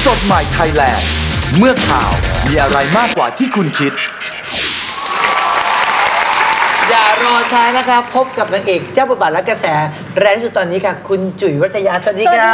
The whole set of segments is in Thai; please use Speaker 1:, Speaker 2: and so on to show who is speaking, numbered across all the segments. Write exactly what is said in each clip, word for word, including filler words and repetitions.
Speaker 1: ดใหม่ไทยแลนด์เมื่อข่าวมีอะไรมากกว่าที่คุณคิด
Speaker 2: อย่ารอช้านะครับพบกับนางเอกเจ้าบทบาทและกระแสแรงที่สุดตอนนี้ค่ะคุณจุ๋ยวัฒยาสวัสดีค่ะ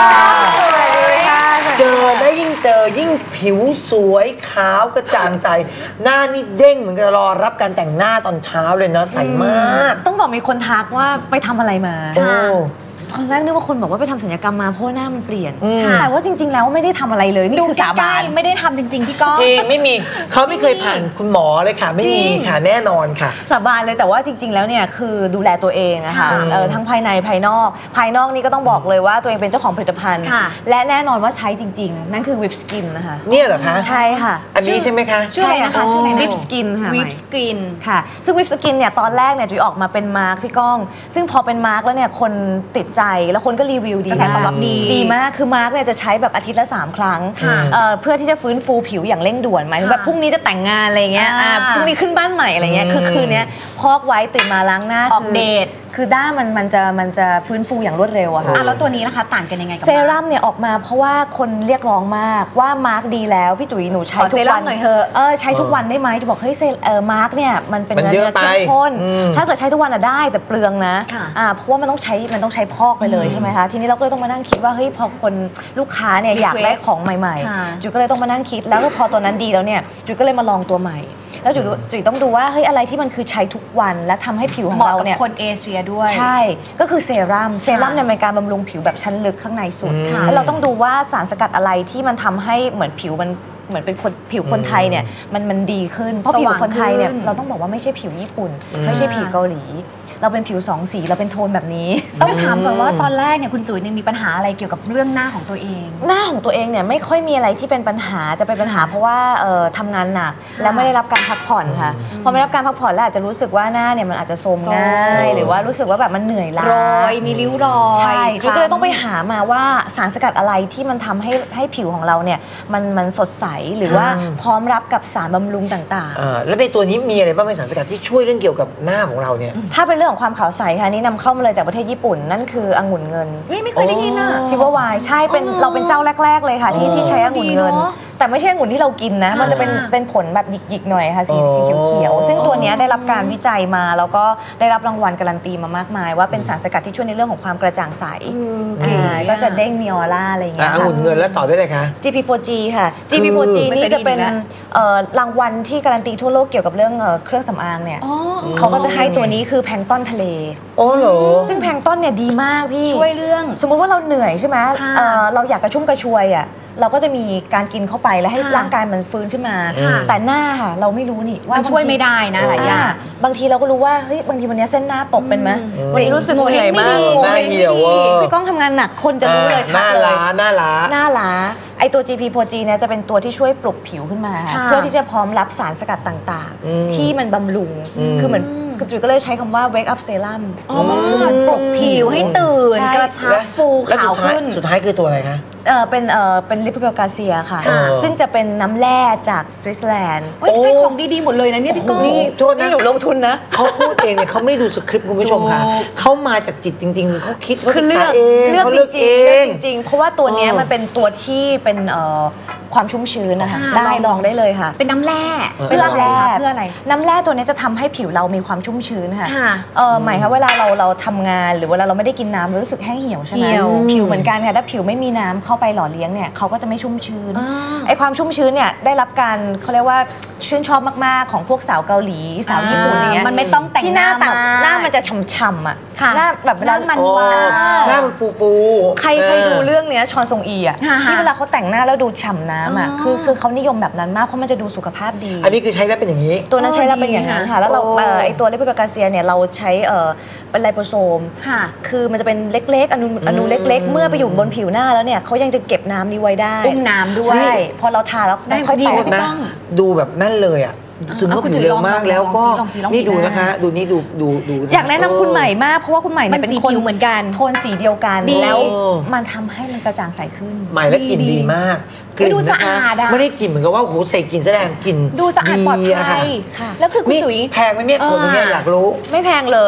Speaker 2: เจอได้ยิ่งเจอยิ่งผิวสวยขาวกระจ่างใสหน้านี่เด้งเหมือนกับรอรับการแต่งหน้าตอนเช้าเลยนะใสมาก
Speaker 3: ต้องบอกมีคนทักว่าไปทำอะไรมาตอนแรกนึกว่าคนบอกว่าไปทำศัลยกรรมมาเพราะหน้ามันเปลี่ยนแต่ว่าจริงๆแล้วไม่ได้ทำอะไรเลยนี่คือสาบาน
Speaker 4: ไม่ได้ทำจริงๆพี่ก้อง
Speaker 2: จริงไม่มีเขาไม่เคยผ่านคุณหมอเลยค่ะไม่มีค่ะแน่นอนค่ะ
Speaker 3: สาบานเลยแต่ว่าจริงๆแล้วเนี่ยคือดูแลตัวเองอะค่ะทั้งภายในภายนอกภายนอกนี่ก็ต้องบอกเลยว่าตัวเองเป็นเจ้าของผลิตภัณฑ์และแน่นอนว่าใช้จริงๆนั่นคือวิปสกินนะคะ
Speaker 2: เนี่ยเหรอคะ
Speaker 3: ใช่ค่ะ
Speaker 2: อันนี้ใช่ไหมคะ
Speaker 4: ชื่ออะไรนะคะชื่ออะไร
Speaker 3: วิปสกินค่ะ
Speaker 4: วิปสกิน
Speaker 3: ค่ะซึ่งวิปสกินเนี่ยตอนแรกเนี่ยจุ๋ยออกมาเป็นมาร์คพี่ก้องซึ่งพอเป็นมาร์คแล้วเนี่ยคนติดใจแล้วคนก็รีวิวดีมากดีมากคือมาร์กเนี่ยจะใช้แบบอาทิตย์ละสามครั้งเพื่อที่จะฟื้นฟูผิวอย่างเร่งด่วนหมายถึงแบบพรุ่งนี้จะแต่งงานอะไรเงี้ยพรุ่งนี้ขึ้นบ้านใหม่อะไรเงี้ยคือคืนนี้พอกไว้ตื่นมาล้างหน้า
Speaker 4: ออกเดท
Speaker 3: คือด้ามันมันจะมันจะฟื้นฟูอย่างรวดเร็วอะค่ะ
Speaker 4: แล้วตัวนี้นะคะต่างกันยังไงกับ
Speaker 3: เซรั่มเนี่ยออกมาเพราะว่าคนเรียกร้องมากว่ามาร์กดีแล้วพี่จุ๋ยหนูใช้ทุกวันเออใช้ทุกวันได้ไหมจะบอกเฮ้ยเออมาร์กเนี่ยมันเป็นเนื้อเข้มข้นถ้าเกิดใช้ทุกวันอะได้แต่เปลืองนะอ่าเพราะว่ามันต้องใช้มันต้องใช้พอกไปเลยใช่ไหมคะทีนี้เราก็เลยต้องมานั่งคิดว่าเฮ้ยพอคนลูกค้าเนี่ยอยากได้ของใหม่ๆจุ๋ยก็เลยต้องมานั่งคิดแล้วพอตัวนั้นดีแล้วเนี่ยจุ๋ยก็เลยมาลองตัวใหม่แล้วจุ๋ยจุ๋ยต้องดูว่าเฮ้ยอะไรที่มันคือใช้ทุกวันและทำให้ผิวของเราเนี่ย
Speaker 4: เหมาะกับคนเอเชียด้วย
Speaker 3: ใช่ก็คือเซรั่มเซรั่มเนี่ยเป็นการบำรุงผิวแบบชั้นลึกข้างในสุดแล้วเราต้องดูว่าสารสกัดอะไรที่มันทำให้เหมือนผิวมันเหมือนเป็นคนผิวคนไทยเนี่ยมันมันดีขึ้นเพราะผิวคนไทยเนี่ยเราต้องบอกว่าไม่ใช่ผิวญี่ปุ่นไม่ใช่ผิวเกาหลีเราเป็นผิวสองสีเราเป็นโทนแบบนี้
Speaker 4: ต้องถามก่อนว่าตอนแรกเนี่ยคุณจุ๋ยเนี่ยมีปัญหาอะไรเกี่ยวกับเรื่องหน้าของตัวเอง
Speaker 3: หน้าของตัวเองเนี่ยไม่ค่อยมีอะไรที่เป็นปัญหาจะเป็นปัญหาเพราะว่าทำงานหนักและไม่ได้รับการพักผ่อนค่ะพอไม่ได้รับการพักผ่อนแล้วอาจจะรู้สึกว่าหน้าเนี่ยมันอาจจะโทรมง่ายหรือว่ารู้สึกว่าแบบมันเหนื่อยล้าร
Speaker 4: อยมีริ้วรอย
Speaker 3: ใช่จุ๋ยก็เลยต้องไปหามาว่าสารสกัดอะไรที่มันทำให้ให้ผิวของเราเนี่ยมันมันสดใสหรือว่าพร้อมรับกับสารบำรุงต่าง
Speaker 2: ๆแล้วในตัวนี้มีอะไรบ้างเป็นสารสกัดที่ช่วยเรื่องเกี่ยวกับหน้าของเราเนี่ย
Speaker 3: ถ้าเป็นเรื่องของความขาวใสค่ะนี่นำเข้ามาเลยจากประเทศญี่ปุ่นนั่นคือองุ่นเงิน
Speaker 4: ไม่เคยได้ยินอ่ะ
Speaker 3: ซิลเวอร์ไวน์ใช่เป็นเราเป็นเจ้าแรกๆเลยค่ะที่ที่ใช้องุ่นเงินแต่ไม่ใช่องุ่นที่เรากินนะมันจะเป็นเป็นผลแบบหยิกๆหน่อยค่ะสีสีเขียวๆซึ่งตัวนี้ได้รับการวิจัยมาแล้วก็ได้รับรางวัลการันตีมามากมายว่าเป็นสารสกัดที่ช่วยในเรื่องของความกระจ่างใสก็จะเด้งมีออร่าอะไรอย่างเงี้ย
Speaker 2: องุ่นเงินแล้วต่อได้เลยคะ
Speaker 3: จี พี โฟร์ จี ค่ะ จี พี โฟร์ จี นี่จะเป็นรางวัลที่การันตีทั่วโลกเกี่ยวกับเรื่องเครื่องสำอางเนี่ยเขาก็จะให้ตัวนี้คือแพลงก์ต้นทะเล
Speaker 2: โอ้เหรอ
Speaker 3: ซึ่งแพลงก์ต้นเนี่ยดีมากพี่
Speaker 4: ช่วยเรื่อง
Speaker 3: สมมุติว่าเราเหนื่อยใช่ไหมเราอยากกระชุ่มกระชวยอ่ะเราก็จะมีการกินเข้าไปแล้วให้ร่างกายมันฟื้นขึ้นมาแต่หน้าค่ะเราไม่รู้นี่
Speaker 4: ว่าช่วยไม่ได้นะหลายอย่าง
Speaker 3: บางทีเราก็รู้ว่าเฮ้ยบางทีวันนี้เส้นหน้าตกเป็นไหมวันนี้รู้สึกเหนื่อยมาก
Speaker 2: หน้าเหี่ยว
Speaker 3: พี่ก้องทำงานหนักคนจะรู้เลย
Speaker 2: หน้าล้าหน้าล้า
Speaker 3: หน้าล้าไอตัว จี พี โฟร์ จี เนี่ยจะเป็นตัวที่ช่วยปลุกผิวขึ้นมาเพื่อที่จะพร้อมรับสารสกัดต่างๆที่มันบำรุงคือเหมือนจุ๋ยก็เลยใช้คำว่า wake up serum
Speaker 4: ปลุกผิวให้ตื่นกระชับฟูขาวขึ้น
Speaker 2: สุดท้ายคือตัวอะไรคะ
Speaker 3: เออเป็นเออเป็นลิปโปกาเซียค่ะซึ่งจะเป็นน้ำแร่จากสวิตเซอร์แลนด์
Speaker 4: ใช้ของดีๆหมดเลยนะเนี่ยพี่ก้อง
Speaker 2: นี่โทษนะ
Speaker 3: หนูลงทุนนะ
Speaker 2: เขาพูดเองเนี่ยเขาไม่ได้ดูสคริปต์คุณผู้ชมค่ะเขามาจากจิตจริงๆเขาคิดเขาศึกษาเองเขาเลือกเอง
Speaker 3: จริงๆเพราะว่าตัวนี้มันเป็นตัวที่เป็นความชุ่มชื้นนะคะได้ลองได้เลยค่ะ
Speaker 4: เป็นน้ำแร่
Speaker 3: เพื่ออะไร
Speaker 4: เพื่ออะไร
Speaker 3: น้ำแร่ตัวนี้จะทำให้ผิวเรามีความชุ่มชื้นค่ะเออหมายค่ะเวลาเราเราทำงานหรือเวลาเราไม่ได้กินน้ำรู้สึกแห้งเหี่ยวใช่ไหมผิวเหมือนกันค่ะถ้าผิวไม่มีน้ำเข้าไปหล่อเลี้ยงเนี่ยเขาก็จะไม่ชุ่มชื้นไอความชุ่มชื้นเนี่ยได้รับการเขาเรียกว่าชื่นชอบมากๆของพวกสาวเกาหลีสาวญี่ปุ่นอย่างเงี้ย
Speaker 4: มันไม่ต้องแต่งหน้า
Speaker 3: มาหน้ามันจะฉ่ำๆอ่ะหน้าแบบ
Speaker 4: หน้ามันวา
Speaker 2: หน้ามันฟู
Speaker 3: ๆใครเคยดูเรื่องเนี้ยชอนซงอีอ่ะที่เวลาเขาแต่งหน้าแล้วดูฉ่ำน้ำอ่ะคือคือเขานิยมแบบนั้นมากเพราะมันจะดูสุขภาพดี
Speaker 2: อันนี้คือใช้แล้วเป็นอย่างนี้
Speaker 3: ตัวนั้นใช้แล้วเป็นอย่างนั้นค่ะแล้วเราไอตัวลิปโปกาเซียเนี่ยเราใช้เป็นไลโปโซมคือมันจะเป็นเล็กๆอนุอนุเล็กๆเมื่อไปอยู่บนผิวหน้าแล้วเนี่ยเขายังจะเก็บน้ำนี้ไว้ได้
Speaker 4: อุ้มน้ำด้วย
Speaker 3: ใช่พอเราทาแล้วค่อยๆแตก
Speaker 2: นะดูแบบนั่นเลยอ่ะซึมเข้าผิวเร็วมากแล้วก็นี่ดูนะคะดูนี่ดูดูดู
Speaker 3: อยากแนะนำคุณใหม่มากเพราะว่าคุณใหม่เป็นคน
Speaker 4: เหมือนกัน
Speaker 3: โทนสีเดียวกันแล้วมันทำให้มันกระจ่างใสขึ้น
Speaker 2: ใหม่และกลิ่นดีมาก
Speaker 4: กลิ่นดูสะอาด
Speaker 2: ไม่ได้กลิ่นเหมือนกับว่าโอ้โหใส่กลิ่นแสดงกลิ่น
Speaker 4: ดูสะอาดปลอดภัยแล้วคือคุณจุ๋ย
Speaker 2: แพงไหมเนี่ยคนนี้อยากรู้
Speaker 3: ไม่แพงเลย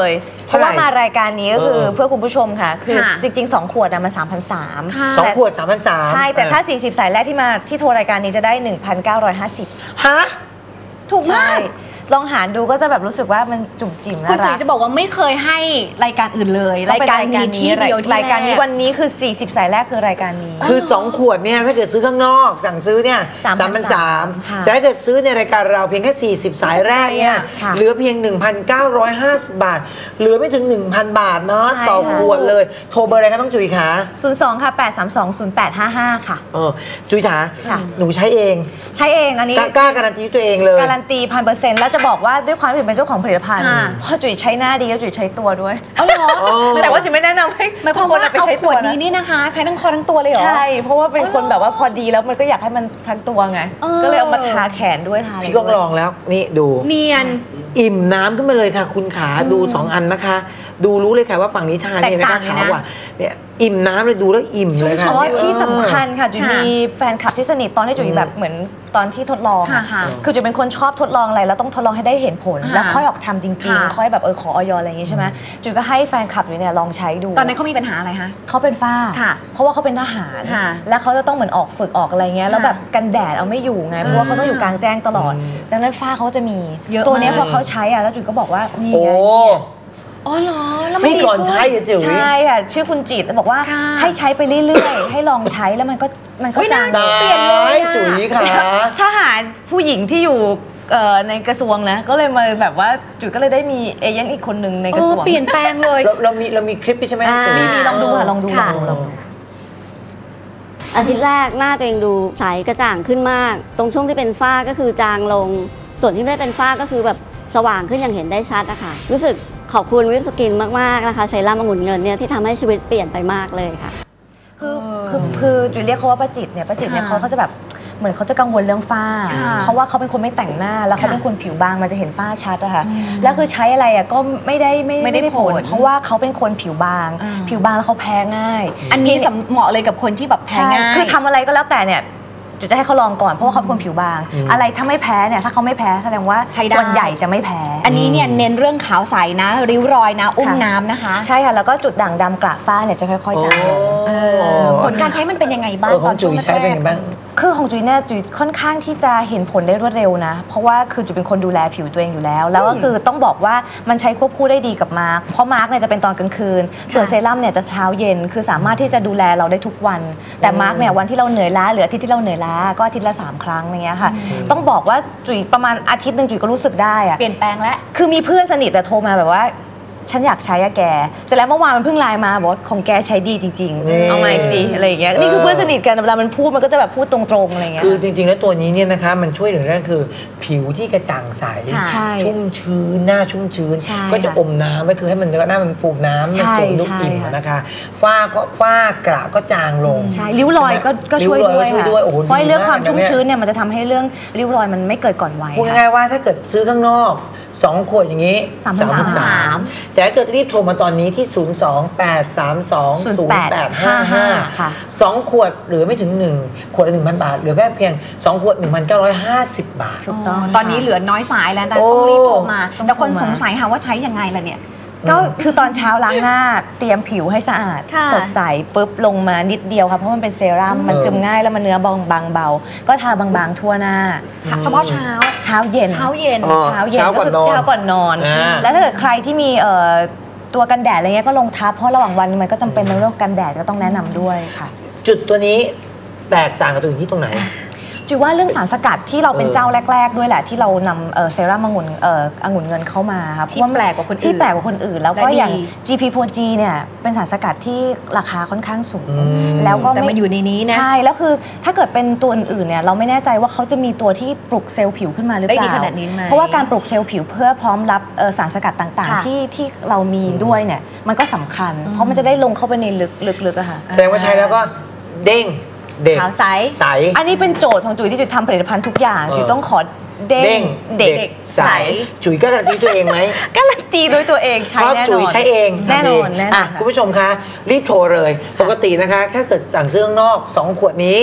Speaker 3: เพราะว่ามารายการนี้ก็คือเพื่อคุณผู้ชมค่ะคือจริงๆสองขวดมันสามพันสาม
Speaker 2: สองขวดสามพันสาม
Speaker 3: ใช่แต่ถ้าสี่สิบสายแรกที่มาที่โทรรายการนี้จะได้ หนึ่งพันเก้าร้อยห้าสิบ
Speaker 2: ฮะ
Speaker 4: ถูกมาก
Speaker 3: ลองหารดูก็จะแบบรู้สึกว่ามันจุ่มจิ๋มนะ
Speaker 4: คุณจุ๋ยจะบอกว่าไม่เคยให้รายการอื่นเลยรายการนี้ที่เดียวที่
Speaker 3: รายการนี้วันนี้คือสี่สิบสายแรกคือรายการนี้
Speaker 2: คือสองขวดเนี่ยถ้าเกิดซื้อข้างนอกสั่งซื้อเนี่ยสามพันสามแต่ถ้าเกิดซื้อในรายการเราเพียงแค่สี่สิบสายแรกเนี่ยเหลือเพียง หนึ่งพันเก้าร้อยห้าสิบ บาทเหลือไม่ถึง หนึ่งพัน บาทเนาะต่อขวดเลยโทรเบอร์อะไรคะต้องจุ๋ยคะ
Speaker 3: ศูนย์ สอง ค่ะ แปด สาม สอง ศูนย์ แปด ห้า ห้า ค่ะ
Speaker 2: เออจุ๋ยคะหนูใช้เอง
Speaker 3: ใช้เองอันนี้
Speaker 2: กล้าการันตีตัวเองเลย
Speaker 3: การันตีพันเปอร์เซ็นต์แล้วจะบอกว่าด้วยความเป็นเจ้าของผลิตภัณฑ์เพราะจุ๋ยใช้หน้าดีแล้วจุ๋ยใช้ตัวด้วย
Speaker 4: อ๋อเหรอ
Speaker 3: แต่ว่าจุ๋ยไม่แนะนำให้
Speaker 4: หมายความว่าเอาขวดนี้นี่นะคะใช้ทั้งคอทั้งตัวเลยเหรอ
Speaker 3: ใช่เพราะว่าเป็นคนแบบว่าพอดีแล้วมันก็อยากให้มันทั้งตัวไงก็เลยเอามาทาแขนด้วยทา
Speaker 2: พี่ก็ลองแล้วนี่ดู
Speaker 4: เนียน
Speaker 2: อิ่มน้ำขึ้นมาเลยค่ะคุณขาดูสองอันนะคะดูรู้เลยค่ะว่าฝั่งนี้ทานเนี่ยนะคะขาวกว่าเนี่ยอิ่มน้ำเลยดูแล้วอิ่มเลยค่ะ
Speaker 3: ที่สำคัญค่ะจุ๋ยมีแฟนคลับที่สนิทตอนที่จุ๋ยแบบเหมือนตอนที่ทดลองคือจุ๋ยเป็นคนชอบทดลองอะไรแล้วต้องทดลองให้ได้เห็นผลแล้วค่อยออกทำจริงๆค่อยแบบเออขอออยอะไรอย่างงี้ใช่ไหมจุ๋ยก็ให้แฟนคลับอยู่เนี่ยลองใช้ดู
Speaker 4: ตอนนั้นเขามีปัญหาอะไรคะ
Speaker 3: เขาเป็นฝ้าเพราะว่าเขาเป็นทหารแล้วเขาจะต้องเหมือนออกฝึกออกอะไรเงี้ยแล้วแบบกันแดดเอาไม่อยู่ไงเพราะว่าเขาต้องอยู่กลางแจ้งตลอดดังนั้นฝ้าเขาจะมีตัวนี้พอเขาใช้อ่ะแล้วจุ๋ยก็บอกว่านี่ไง
Speaker 4: อ๋อเหรอแล้ว
Speaker 2: ไม่ก่อนใช้อย่าจิ๋ว
Speaker 3: ใช่ค่ะชื่อคุณจิตบอกว่าให้ใช้ไปเรื่อยๆให้ลองใช้แล้วมันก็มันก็จาง
Speaker 2: เปลี่ยนเลยจุ๋ยค่ะ
Speaker 3: ทหารผู้หญิงที่อยู่ในกระทรวงนะก็เลยมาแบบว่าจุ๋ยก็เลยได้มีเอเย่นอีกคนหนึ่งในกระทรวง
Speaker 4: เปลี่ยนแปลงเลย
Speaker 2: เรามีเรามีคลิปใช่ไหม
Speaker 3: มีมีลองดูค่ะลองดูลองดู
Speaker 5: อาทิตย์แรกหน้าตัวเองดูใสกระจ่างขึ้นมากตรงช่วงที่เป็นฝ้าก็คือจางลงส่วนที่ไม่ได้เป็นฝ้าก็คือแบบสว่างขึ้นอย่างเห็นได้ชัดอะค่ะรู้สึกขอบคุณวิปสกินมากๆนะคะเซรั่มองุ่นเงินเนี่ยที่ทำให้ชีวิตเปลี่ยนไปมากเลยค่ะ
Speaker 3: คือคือคือจุ๋ยเรียกเขาว่าป้าจิตเนี่ยป้าจิตเนี่ยเขาก็จะแบบเหมือนเขาจะกังวลเรื่องฝ้าเพราะว่าเขาเป็นคนไม่แต่งหน้าแล้วเขาเป็นคนผิวบางมันจะเห็นฝ้าชัดอะค่ะแล้วคือใช้อะไรอะก็ไม่ได้ไม่ได้ผลเพราะว่าเขาเป็นคนผิวบางผิวบางแล้วเขาแพ้ง่าย
Speaker 4: อันนี้เหมาะเลยกับคนที่แบบแพ้ง่าย
Speaker 3: คือทำอะไรก็แล้วแต่เนี่ยจุ๋ยจะให้เขาลองก่อนเพราะว่าเขาเป็นคนผิวบางอะไรถ้าไม่แพ้เนี่ยถ้าเขาไม่แพ้แสดงว่าส่วนใหญ่จะไม่แพ้
Speaker 4: อันนี้เนี่ยเน้นเรื่องขาวใสนะริ้วรอยนะอุ้มน้ำนะคะ
Speaker 3: ใช่ค่ะแล้วก็จุดด่างดำกระฝ้าเนี่ยจะค่อยๆจางลง
Speaker 4: ผลการใช้มันเป็นยังไงบ้าง
Speaker 2: ตอนจุ๋ยใช้เป็นยังไงบ้าง
Speaker 3: คือของจุ๋ยเนี่ยจุ๋ยค่อนข้างที่จะเห็นผลได้รวดเร็วนะเพราะว่าคือจุ๋ยเป็นคนดูแลผิวตัวเองอยู่แล้วแล้วก็คือต้องบอกว่ามันใช้ควบคู่ได้ดีกับมาร์คเพราะมาร์คเนี่ยจะเป็นตอนกลางคืนส่วนเซรั่มเนี่ยจะเช้าเย็นคือสามารถที่จะดูแลเราได้ทุกวันแต่มาร์คเนี่ยวันที่เราเหนื่อยล้าหรืออาทิตย์ที่เราเหนื่อยล้าก็อาทิตย์ละสามครั้งอย่างเงี้ยค่ะต้องบอกว่าจุ๋ยประมาณอาทิตย์นึงจุ๋ยก็รู้สึกได้อะ
Speaker 4: เปลี่ยนแปลงแล้ว
Speaker 3: คือมีเพื่อนสนิทแต่โทรมาแบบว่าฉันอยากใช้อะแกเสร็จแล้วเมื่อวานมันเพิ่งไลน์มาบอกของแกใช้ดีจริงๆเอาไงสิอะไรอย่างเงี้ยนี่คือเพื่อนสนิทกันเวลามันพูดมันก็จะแบบพูดตรงๆอะไรเงี้ย
Speaker 2: คือจริงๆแล้วตัวนี้เนี่ยนะคะมันช่วยเหลือนั่นคือผิวที่กระจ่างใสชุ่มชื้นหน้าชุ่มชื้นก็จะอมน้ำไม่คือให้มันหน้ามันปูน้ำมันสูงลูกอิ่มนะคะฝ้าก็ฝ้ากระก็จางลง
Speaker 3: ใช่ริ้วรอยก็ก็ช่วยด้วยค่ะเพราะเรื่องความชุ่มชื้นเนี่ยมันจะทำให้เรื่องริ้วรอยมันไม่เกิดก่อนวัย
Speaker 2: พูดง่ายๆว่าถ้าเกิดซื้อข้างนอกสองขวดอย่างนี้
Speaker 3: สามพันสาม
Speaker 2: แต่ถ้าเกิดรีบโทรมาตอนนี้ที่ศูนย์ สอง แปด สาม สอง ศูนย์ แปด ห้า ห้าค่ะสองขวดเหลือไม่ถึงหนึ่งขวดละ หนึ่งพัน บาทเหลือแค่เพียงสองขวด หนึ่งพันเก้าร้อยห้าสิบ บาท
Speaker 3: ถูกต้อง
Speaker 4: ตอนนี้เหลือน้อยสายแล้วแต่ต้องรีบโทรมาแต่คนสงสัยค่ะว่าใช้ยังไงล่ะเนี่ย
Speaker 3: ก็คือตอนเช้าล้างหน้าเตรียมผิวให้สะอาดสดใสปุ๊บลงมานิดเดียวค่ะเพราะมันเป็นเซรั่มมันซึมง่ายแล้วมันเนื้อบางบางเบาก็ทาบางๆทั่วหน้า
Speaker 4: เฉพาะเช้า
Speaker 3: เช้าเย็น
Speaker 4: เช้าเย็น
Speaker 3: เช้าเย็นก็คือเช้าก่อนนอนแล้วถ้าเกิดใครที่มีตัวกันแดดอะไรเงี้ยก็ลงทับเพราะระหว่างวันมันก็จำเป็นในเรื่องกันแดดก็ต้องแนะนำด้วยค่ะ
Speaker 2: จุดตัวนี้แตกต่างกับตัวอื่นที่ตรงไหน
Speaker 3: จุ๋ยว่าเรื่องสารสกัดที่เราเป็นเจ้าแรกๆด้วยแหละที่เรานำเซรั่มองุ่นองุ่นเงินเข้ามาครับ
Speaker 4: ที่แปลกกว่าคนอื่น
Speaker 3: ที่แปลกกว่าคนอื่นแล้วก็อย่าง จี พี โฟร์ จี เนี่ยเป็นสารสกัดที่ราคาค่อนข้างสูงแล้วก็
Speaker 4: แต่มาอยู่ในนี้นะ
Speaker 3: ใช่แล้วคือถ้าเกิดเป็นตัวอื่นๆเนี่ยเราไม่แน่ใจว่าเขาจะมีตัวที่ปลุกเซลล์ผิวขึ้นมาหรือเปล่าเพราะว่าการปลุกเซลล์ผิวเพื่อพร้อมรับสารสกัดต่างๆที่ที่เรามีด้วยเนี่ยมันก็สำคัญเพราะมันจะได้ลงเข้าไปในลึกๆอะค่ะ
Speaker 2: แสดงว่าใช้แล้วก็เด้งเด็ก
Speaker 4: ขาวใส
Speaker 2: ใส
Speaker 3: อันนี้เป็นโจทย์ของจุ๋ยที่จุ๋ยทำผลิตภัณฑ์ทุกอย่างจุ๋ยต้องขอเด้งเด็กใส
Speaker 2: จุ๋ยก็การันตีตัวเองไหม
Speaker 3: การันตีด้วยตัวเองใช้แน่นอนเพราะ
Speaker 2: จุ๋ยใช้เอง
Speaker 3: แน่นอนแน่นอน
Speaker 2: คุณผู้ชมคะรีบโทรเลยปกตินะคะถ้าเกิดสั่งซื้อข้างนอกสองขวดนี้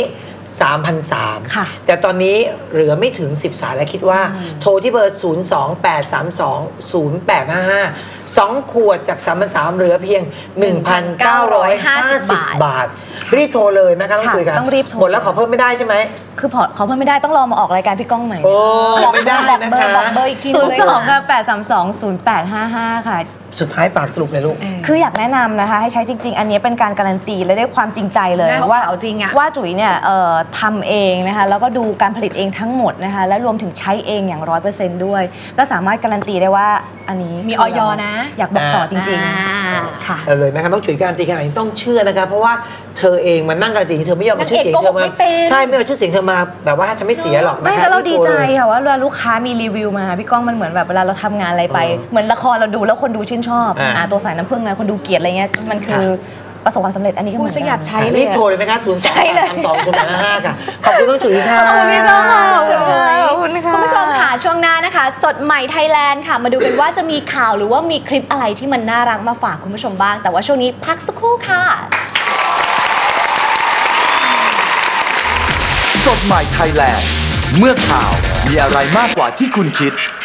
Speaker 2: สามพันสามร้อย
Speaker 3: ค่ะ
Speaker 2: แต่ตอนนี้เหลือไม่ถึงสิบสายแล้วคิดว่าโทรที่เบอร์ ศูนย์ สอง แปด สาม สอง ศูนย์ แปด ห้า ห้า สองขวดจาก สามพันสามร้อย เหลือเพียง หนึ่งพันเก้าร้อยห้าสิบ บาท รีบโทรเลยนะคะต้อง
Speaker 3: ค่ะ
Speaker 2: คุยกัน
Speaker 3: ต้องรีบโทร
Speaker 2: หมดแล้วขอเพิ่มไม่ได้ใช่ไหม
Speaker 3: คือพอขอเพิ่มไม่ได้ต้องรอมาออกรายการพี่ก้องใหม่
Speaker 2: โอ้ไม่ได้นะคะ
Speaker 4: บอกเบอร์อีกที
Speaker 3: ศูนย์
Speaker 4: เลย
Speaker 3: สองแปดสามสองศูนย์แปดห้าห้าค่ะ
Speaker 2: สุดท้ายฝากสรุปเลยลูก
Speaker 3: คืออยากแนะนำนะคะให้ใช้จริง ๆ อันนี้เป็นการการันตีและด้วยความจริงใจเลย
Speaker 4: หน้า
Speaker 3: ว่า
Speaker 4: ขาวจริงอะ
Speaker 3: ว่าจุ๋ยเนี่ยเอ่อทำเองนะคะแล้วก็ดูการผลิตเองทั้งหมดนะคะและรวมถึงใช้เองอย่างร้อยเปอร์เซ็นต์ด้วยก็สามารถการันตีได้ว่าอันนี้
Speaker 4: มีออยนะ
Speaker 3: อยากบอกต่อจริง
Speaker 4: อ่า
Speaker 3: ๆค่ะ
Speaker 2: เอาเลยนะคะต้องช่วยการันตีขนาดนี้ต้องเชื่อนะคะเพราะว่าเธอเองมันนั่งการันตีเธอไม่ยอมเอาชื่อเสียงเธอมา
Speaker 4: นางเอกโกหกไม่เป็น
Speaker 2: ใช่ไม่เอาชื่อเสียงเธอมาแบบว่าจะไม่เสียหรอกนะคะ
Speaker 3: ไม่แต่เราดีใจ
Speaker 2: รีบโทรเลย
Speaker 3: ค่ะว่าเวลาลูกค้ามีรีวิวมาพี่ก้องมันเหมือนแบบเวลาเราทำงานอะไรไป
Speaker 2: เออ
Speaker 3: เหมือนละครเราดูแล้วคนดูชื่นชอบ
Speaker 2: อ่า
Speaker 3: อ่าตัวสายน้ำผึ้งนะคนดูเกลียดอะไรเงี้ยมันคือประสบความสำเร็จอันนี้ก็เห
Speaker 4: พู
Speaker 3: มื
Speaker 4: ด
Speaker 3: อน
Speaker 4: ซะอยาก
Speaker 3: กัน
Speaker 4: ใช้เลย
Speaker 2: รีบ
Speaker 4: อะ
Speaker 2: โทรเลยไหมคะศูนย์สอง
Speaker 3: ใช่เลย
Speaker 2: สามสองศูนย์แปดห้าห้าค่ะขอบคุณต้องจุ๋ยค่ะ
Speaker 3: ขอบคุณพี่ก้องค่ะขอบคุณค่ะขอบคุณค่ะ
Speaker 4: คุณผู้ชมค่ะช่วงหน้านะคะ สดใหม่ไทยแลนด์ค่ะ มาดูกันว่าจะมีข่าวหรือว่ามีคลิปอะไรที่มันน่ารักมาฝากคุณผู้ชมบ้าง แต่ว่าช่วงนี้พักสักครู่ค่ะ
Speaker 1: สดใหม่ไทยแลนด์ เมื่อข่าวมีอะไรมากกว่าที่คุณคิด